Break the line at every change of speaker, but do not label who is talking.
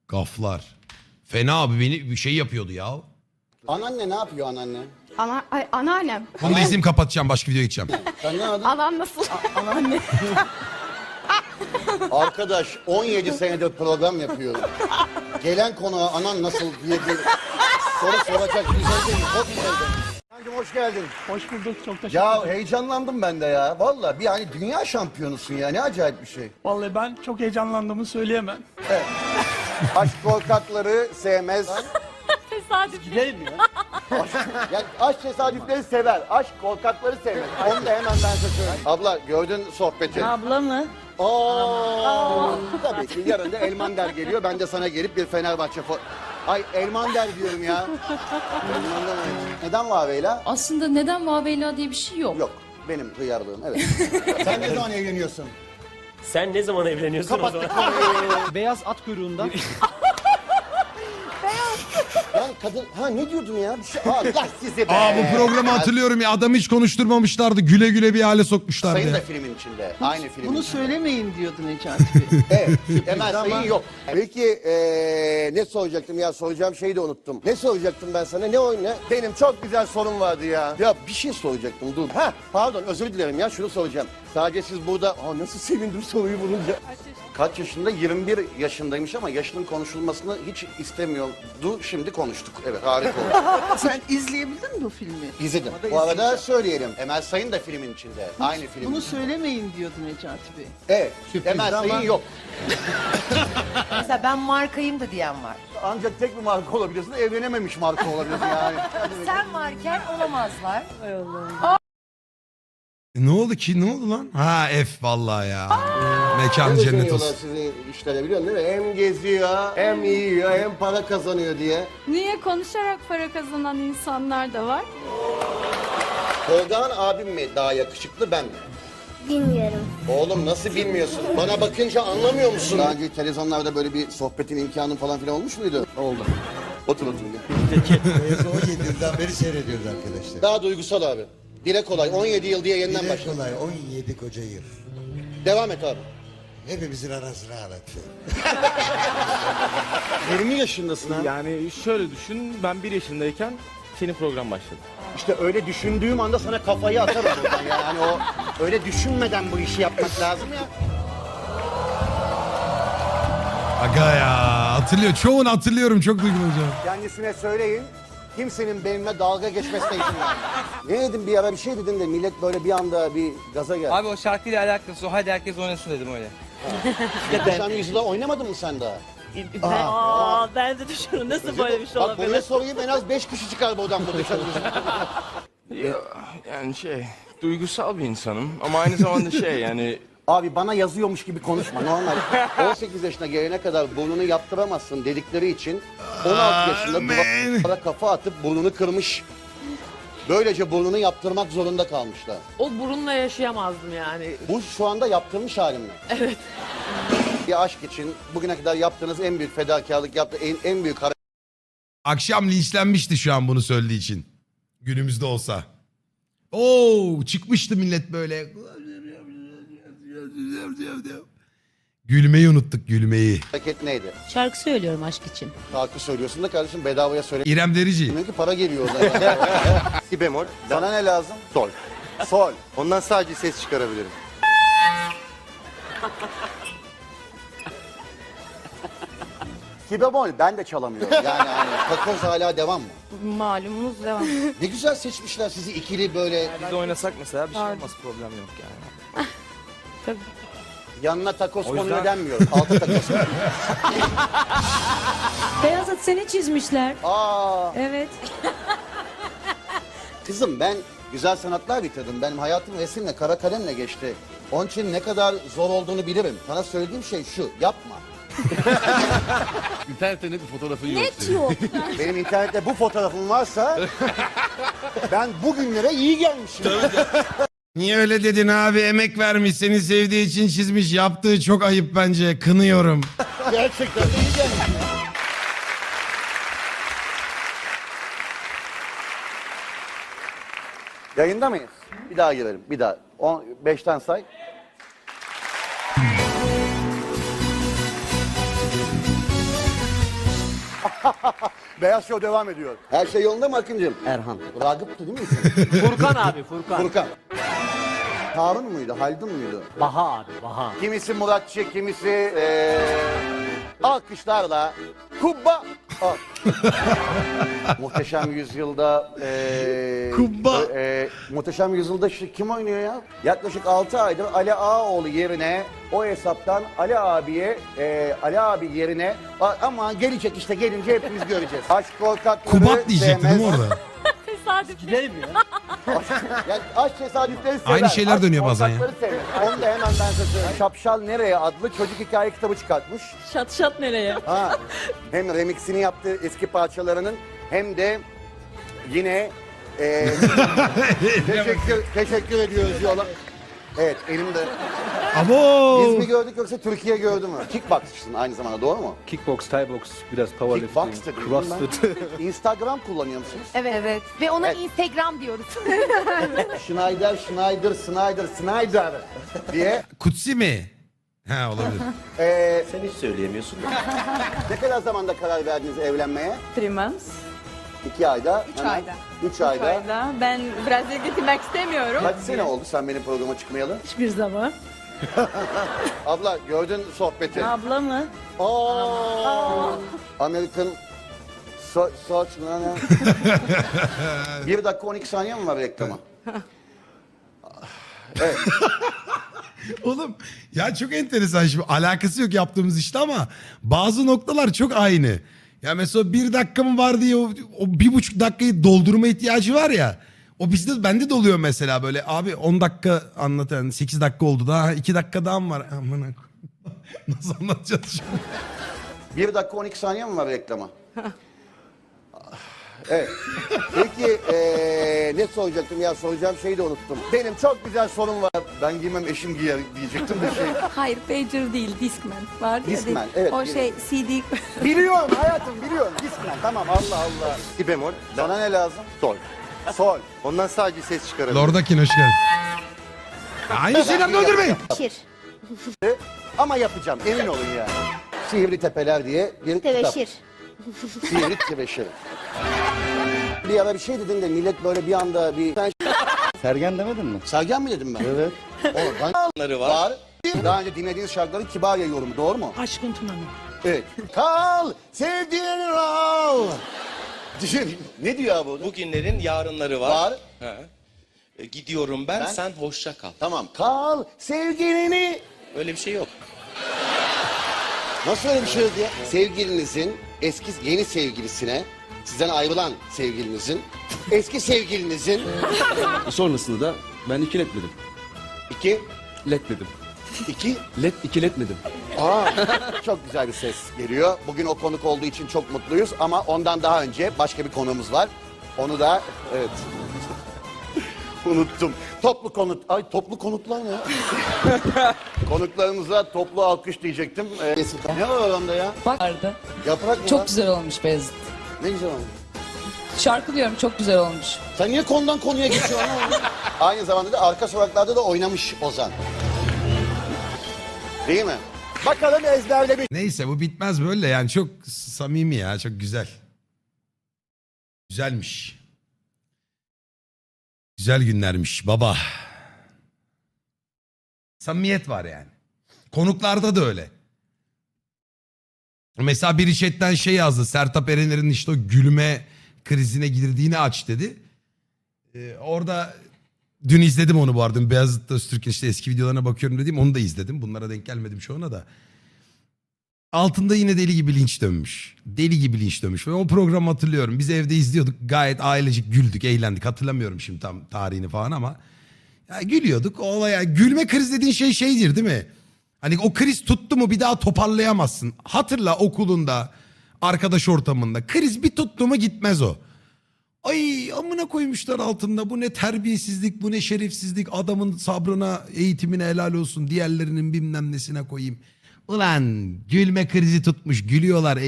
Gaflar. Fena abi beni bir şey yapıyordu ya.
Anneanne ne yapıyor anneanne?
Anneannem.
Bunu da izleyeyim kapatacağım başka videoya geçeceğim.
Sen ne adın?
Anan nasıl? Anneanne.
Arkadaş 17 senedir program yapıyorum. Gelen konuğa anan nasıl diye bir soru soracak güzel değil. Çok güzel. Kancım hoş geldin.
Hoş bulduk, çok teşekkür
Ya
ederim.
heyecanlandım ben de ya. Vallahi bir hani dünya şampiyonusun ya. Ne acayip bir şey.
Vallahi ben çok heyecanlandığımı söyleyemem.
Aşk korkakları sevmez.
Tesadüf.
Gidelim ya.
Yani aşk tesadüfleri sever. Aşk korkakları sevmez. Onu da hemen ben size söyleyeyim. Abla gördün sohbeti.
Abla mı?
Tabii ki yarın da Elmander geliyor. Ben de sana gelip bir Fenerbahçe Ay Elmander diyorum ya. Elmander mi? Neden Vaveyla?
Aslında neden Vaveyla diye bir şey yok.
Yok. Benim hıyarlığım evet. Sen ne zaman evleniyorsun?
Sen ne zaman evleniyorsun o zaman?
Beyaz at kuyruğunda.
Lan kadın ne diyordun ya? Bir şey... Allah sizi be.
Bu programı hatırlıyorum ya adamı hiç konuşturmamışlardı. Güle güle bir hale sokmuşlardı.
Sayın da
Ya.
filmin içinde. Aynı filmin
Bunu
içinde.
söylemeyin diyordu Necati Bey.
Evet. Emel Sayın yok. Peki ne soracaktım ya? Soracağım şeyi de unuttum. Ne soracaktım ben sana? Ne oyun ne? Benim çok güzel sorum vardı ya. Ya bir şey soracaktım dur. Pardon özür dilerim ya şunu soracağım. Sadece siz burada nasıl sevindim soruyu bulunca. Kaç yaşında? 21 yaşındaymış ama yaşının konuşulmasını hiç istemiyordu. Şimdi konuştuk. Evet harika oldu.
Sen izleyebildin mi bu filmi?
İzledim.
Ama da
Bu arada
izleyeceğim.
söyleyelim. Emel Sayın da filmin içinde. Aynı film.
Bunu söylemeyin diyordu Necati Bey.
Evet. Emel Sayın yok.
Mesela ben markayım da diyen var.
Ancak tek bir marka olabilirsin. Evlenememiş marka olabilirsin yani.
Sen varken olamazlar.
Ne oldu ki? Ne oldu lan? F vallahi ya. Mekan cennet
Düşünüyorlar
olsun.
sizin işlere biliyorsun değil mi? Hem geziyor, hem yiyor, hem para kazanıyor diye.
Niye konuşarak para kazanan insanlar da var?
Tolgağan abim mi daha yakışıklı ben mi?
Bilmiyorum.
Oğlum nasıl bilmiyorsun? Bana bakınca anlamıyor musun? Daha önce televizyonlarda böyle bir sohbetin imkanı falan filan olmuş muydu? Oldu. Otur.
Beyazı 17 yıldan beri seyrediyoruz arkadaşlar.
Daha duygusal abi. Dile kolay. 17 yıl diye yeniden
Dile
başla.
kolay 17 koca yıl.
Devam et abi.
Hepimizin arasına ağlatıyor.
20 yaşındasın ha.
Yani şöyle düşün, ben 1 yaşındayken senin program başladı.
İşte öyle düşündüğüm anda sana kafayı atarım buradan. Yani o öyle düşünmeden bu işi yapmak lazım ya.
Aga ya hatırlıyor. Çoğunu hatırlıyorum. Çok duygulanacağım.
Kendisine söyleyin. Kimsenin benimle dalga geçmesine izin vermeyin. Ne dedim bir ara bir şey dedim de millet böyle bir anda bir gaza geldi.
Abi o şarkıyla alakası o. Hadi herkes oynasın dedim öyle.
Sen yüzüde oynamadın mı sen daha?
Ben de düşünüyorum nasıl böyle bir şey
Bak bunu sorayım en az 5 kişi çıkar buradan bu dışarı.
Yani duygusal bir insanım ama aynı zamanda yani...
Abi bana yazıyormuş gibi konuşma normal. 18 yaşına gelene kadar burnunu yaptıramazsın dedikleri için 16 yaşında duvara kafa atıp burnunu kırmış. Böylece burnunu yaptırmak zorunda kalmışlar.
O burunla yaşayamazdım yani.
Bu şu anda yaptırmış halim mi?
Evet.
Bir aşk için bugüne kadar yaptığınız en büyük fedakarlık, en büyük
Akşam linçlenmişti şu an bunu söylediği için. Günümüzde olsa. Oo çıkmıştı millet böyle. Gülmeyi unuttuk gülmeyi.
hareket neydi?
Şarkı söylüyorum aşk için.
Şarkı söylüyorsun da kardeşim bedavaya söyle.
İrem Derici.
Demek ki para geliyor oradan.
Si bemol.
Sana ne lazım?
Sol.
Sol.
Ondan sadece ses çıkarabilirim.
Si bemol ben de çalamıyorum. Yani hani takoz hala devam mı?
Malumunuz devam.
Ne güzel seçmişler sizi ikili böyle.
Biz de oynasak mesela bir şey olmaz, problem yok yani.
Yanına takoz
O yüzden-
konuyor denmiyor. Altı takoz.
Beyaz at seni çizmişler.
Aa,
Evet.
kızım ben güzel sanatlar bitirdim. Benim hayatım resimle, kara kalemle geçti. Onun için ne kadar zor olduğunu bilirim. Sana söylediğim şey şu, yapma.
İnternette net bir fotoğrafın yok.
Net yok.
Benim internette bu fotoğrafım varsa ben bugünlere iyi gelmişim.
Niye öyle dedin abi? Emek vermiş, seni sevdiği için çizmiş. Yaptığı çok ayıp bence. Kınıyorum.
Gerçekten iyi gelmişim. Yayında mıyız? Bir daha girelim. Bir daha. 5'ten say. Beyaz Show devam ediyor. Her şey yolunda mı Akıncığım? Erhan. Ragıp'tı değil mi isim?
Furkan abi Furkan.
Furkan. Harun muydu? Haldun muydu?
Baha abi Baha.
Kimisi Muratçı, kimisi alkışlarla Kubba. Muhteşem Yüzyılda
Kubba.
Muhteşem Yüzyılda kim oynuyor ya? Yaklaşık 6 aydır Ali Ağaoğlu yerine o hesaptan Ali abi yerine ama gelecek işte gelince hepimiz göreceğiz. Aşk korkakları
Kubat diyecekti değil mi
sevmez.
orada?
Tesadüf.
Gidelim ya.
Yani aşk tesadüfleri sever.
Aynı şeyler
aşk
dönüyor bazen ya.
korkakları sevmez. Onu da hemen ben size söyleyeyim. Şapşal Nereye adlı çocuk hikaye kitabı çıkartmış.
Şat şat nereye?
Ha, hem remixini yaptığı eski parçalarının hem de yine teşekkür ediyoruz yola. Evet elimde. Biz mi
Abo.
gördük yoksa Türkiye gördü mü? Kickboxçısın aynı zamanda doğru mu?
Kickbox, Thai box, biraz powerlifting,
Kickbox da duydum
crossfit.
ben. Instagram kullanıyor musunuz?
Evet. Ve ona
Evet.
Instagram diyoruz.
Schneider diye.
Kutsi mi? Ha olabilir.
Sen hiç söyleyemiyorsun.
Ne kadar zamanda karar verdiniz evlenmeye?
3 months.
2 ayda.
3 ayda.
3 ayda.
Ayda. Ben Brezilya'ya gitmek istemiyorum.
Kaç sene oldu sen benim programa çıkmayalı?
Hiçbir zaman.
Abla gördün sohbeti.
Abla mı?
American Search ne? 1 dakika 12 saniye mi var reklama? Evet.
Oğlum ya çok enteresan şimdi alakası yok yaptığımız işte ama bazı noktalar çok aynı. Ya mesela 1 dakika mı var diye o 1,5 dakikayı doldurma ihtiyacı var ya. O bende de oluyor mesela böyle abi 10 dakika anlatan 8 dakika oldu daha 2 dakika daha mı var? Aman nasıl anlatacağız şimdi?
1 dakika 12 saniye mi var reklama? Evet. Peki ne soracaktım ya soracağım şeyi de unuttum. Benim çok güzel sorum var. Ben giymem eşim giyer diyecektim bir şey.
Hayır, pager değil, Discman. Var ya.
Discman, evet,
O
biliyorum.
CD.
Biliyorum hayatım biliyorum. Discman tamam Allah Allah.
Si bemol,
Sana ne lazım?
sol.
Sol.
Ondan sadece ses çıkarabilir.
Lordakin hoş geldin. Aynı şeyler öldürmeyin.
Şir.
Ama yapacağım emin olun yani. Sihirli Tepeler diye bir kitap.
Tebeşir.
Sihirli Tebeşir. Bir ara bir şey dedin de millet böyle bir anda bir...
Sergen demedin mi?
Sergen mi dedim ben? Evet. Oradan var. Daha önce dinlediğiniz şarkıların Kibarya yorumu doğru mu?
Aşkın Tuna'nın.
Evet. Kal sevdiğin ol. Düşün. Ne diyor bu?
Bugünlerin yarınları var.
Var.
Gidiyorum ben,
Ben-
sen hoşça kal.
Tamam. Kal sevgilini.
Öyle bir şey yok.
Nasıl öyle bir şey diye? Sevgilinizin eski yeni sevgilisine sizden ayrılan sevgilinizin eski sevgilinizin
Sonrasında da ben ikiletmedim.
2
Letmedim.
2
İkiletmedim.
çok güzel bir ses geliyor. Bugün o konuk olduğu için çok mutluyuz ama ondan daha önce başka bir konuğumuz var. Onu da evet. Unuttum. Toplu konutlar ne ya? Konuklarımıza toplu alkış diyecektim. Ne var oranda ya?
Vardı.
Yaprak mı var?
Çok güzel olmuş Beyazıt.
Ne güzel olmuş.
Şarkı diyorum çok güzel olmuş.
Sen niye konudan konuya geçiyorsun? Aynı zamanda da arka sokaklarda da oynamış Ozan. Değil mi? Bakalım ezberlemiş.
Neyse bu bitmez böyle yani çok samimi ya çok güzel. Güzelmiş. Güzel günlermiş baba. Samimiyet var yani. Konuklarda da öyle. Mesela biri chatten şey yazdı. Sertab Erener'in işte o gülme krizine girdiğini aç dedi. Orada dün izledim onu bu arada. Beyazıt Öztürk'ün işte eski videolarına bakıyorum dediğim onu da izledim. Bunlara denk gelmedim çoğuna da. Altında yine deli gibi linç dönmüş. Deli gibi linç dönmüş. Ben o programı hatırlıyorum. Biz evde izliyorduk. Gayet ailecik güldük, eğlendik. Hatırlamıyorum şimdi tam tarihini falan ama. Ya gülüyorduk. O olaya gülme kriz dediğin şeydir değil mi? Hani o kriz tuttu mu bir daha toparlayamazsın. Hatırla okulunda, arkadaş ortamında. Kriz bir tuttu mu gitmez o. Ay amına koymuşlar altında. Bu ne terbiyesizlik, bu ne şerefsizlik. Adamın sabrına, eğitimine helal olsun. Diğerlerinin bilmem nesine koyayım. Ulan gülme krizi tutmuş, gülüyorlar.